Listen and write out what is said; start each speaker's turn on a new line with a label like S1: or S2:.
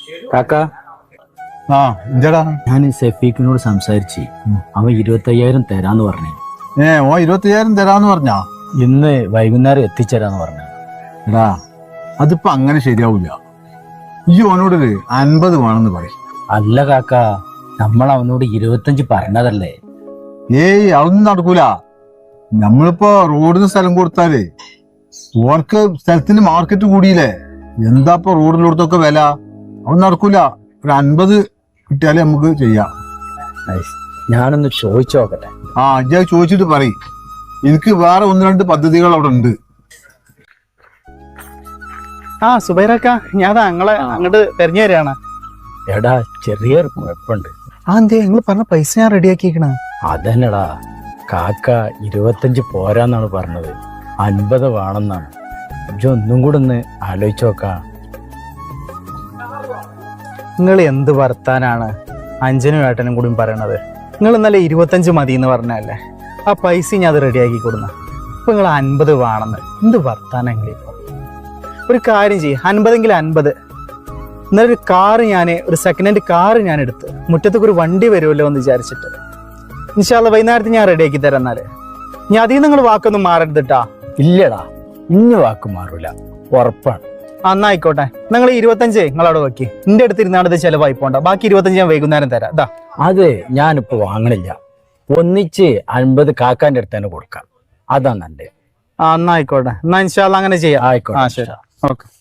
S1: കാക്ക
S2: ആ എന്താടാ
S1: ഞാൻ സഫീഖിനോട് സംസാരിച്ച് അവൻ 25,000 തരാന്ന് പറഞ്ഞു.
S2: ഓ 25,000 തരാന്ന് പറഞ്ഞാ
S1: ഇന്ന് വൈകുന്നേരം എത്തിച്ചേരാന്ന് പറഞ്ഞു.
S2: എടാ അതിപ്പോ അങ്ങനെ ശരിയാവൂല. ഈ ഓനോടൊരു 50 വേണമെന്ന് പറയും.
S1: അല്ല കാക്ക, നമ്മൾ അവനോട് 25 പറഞ്ഞതല്ലേ.
S2: അതൊന്നും നടക്കൂല. നമ്മളിപ്പോ റോഡിന് സ്ഥലം കൊടുത്താലേ ഓർക്ക് സ്ഥലത്തിന്റെ മാർക്കറ്റ് കൂടിയില്ലേ. എന്താപ്പൊ റോഡിലോടത്തൊക്കെ വില. അതൊന്നും നടക്കൂല. ഒരു 50 കിട്ടിയാലേ നമുക്ക് ചെയ്യാം.
S1: ഞാനൊന്ന് ചോദിച്ചു നോക്കട്ടെ.
S2: ഇജ്ജ് ചോദിച്ചിട്ട് പറയും. എനിക്ക് വേറെ 1-2 പദ്ധതികൾ അവിടെ ഉണ്ട്.
S3: സുബൈറക്ക, ഞാൻ ഞങ്ങളെ അങ്ങോട്ട് തെരഞ്ഞു തരാണ്.
S1: എടാ ചെറിയൊരു കുഴപ്പമുണ്ട്.
S3: എന്തേ നിങ്ങൾ പറഞ്ഞ പൈസ ഞാൻ റെഡിയാക്കിക്കണ.
S1: അതന്നെടാ, കാക്ക 25 പോരാന്നാണ് പറഞ്ഞത്, 50 വേണമെന്നാണ്. ഇജ്ജ് ഒന്നും കൂടെ ഒന്ന് ആലോചിച്ച് നോക്കാം.
S3: നിങ്ങൾ എന്ത് വർത്താനാണ് അഞ്ചനും ഏട്ടനും കൂടി പറയണത്? നിങ്ങൾ ഇന്നലെ 25 മതി എന്ന് പറഞ്ഞല്ലേ. ആ പൈസ ഞാൻ അത് റെഡിയാക്കി കൊടുന്ന. ഇപ്പൊ നിങ്ങൾ 50 വേണമെന്ന് എന്ത് വർത്താനെങ്കിലും. ഒരു കാര്യം ചെയ്യും, 50എങ്കിൽ 50. ഇന്നലെ ഒരു കാറ് ഒരു സെക്കൻഡ് ഹാൻഡ് കാറ് ഞാൻ എടുത്ത് മുറ്റത്തേക്ക് ഒരു വണ്ടി വരുമല്ലോ എന്ന് വിചാരിച്ചിട്ട്. ഇൻഷാല്ല വൈകുന്നേരത്ത് ഞാൻ റെഡിയാക്കി തരാം. എന്നാല് ഞാൻ അതിൽ നിങ്ങൾ വാക്കൊന്നും മാറരുതിട്ടാ.
S1: ഇല്ലടാ, ഇനി വാക്ക് മാറൂല, ഉറപ്പാണ്.
S3: എന്നായിക്കോട്ടെ, നിങ്ങൾ 25 നിങ്ങളവിടെ വെക്കി. എന്റെ അടുത്ത് ഇരുന്നാണ് ഇത് ചെലവായി പോണ്ട. ബാക്കി 25 ഞാൻ വൈകുന്നേരം തരാം. ഇതാ
S1: അത് ഞാനിപ്പോ വാങ്ങണില്ല. ഒന്നിച്ച് 50 കാക്കാന്റെ അടുത്ത് തന്നെ കൊടുക്കാം. അതാ നല്ലത്.
S3: എന്നായിക്കോട്ടെ. എന്നാ ഇൻഷാല്ല അങ്ങനെ ചെയ്യാം.
S1: ആയിക്കോട്ടെ.
S3: ശരി, ഓക്കെ.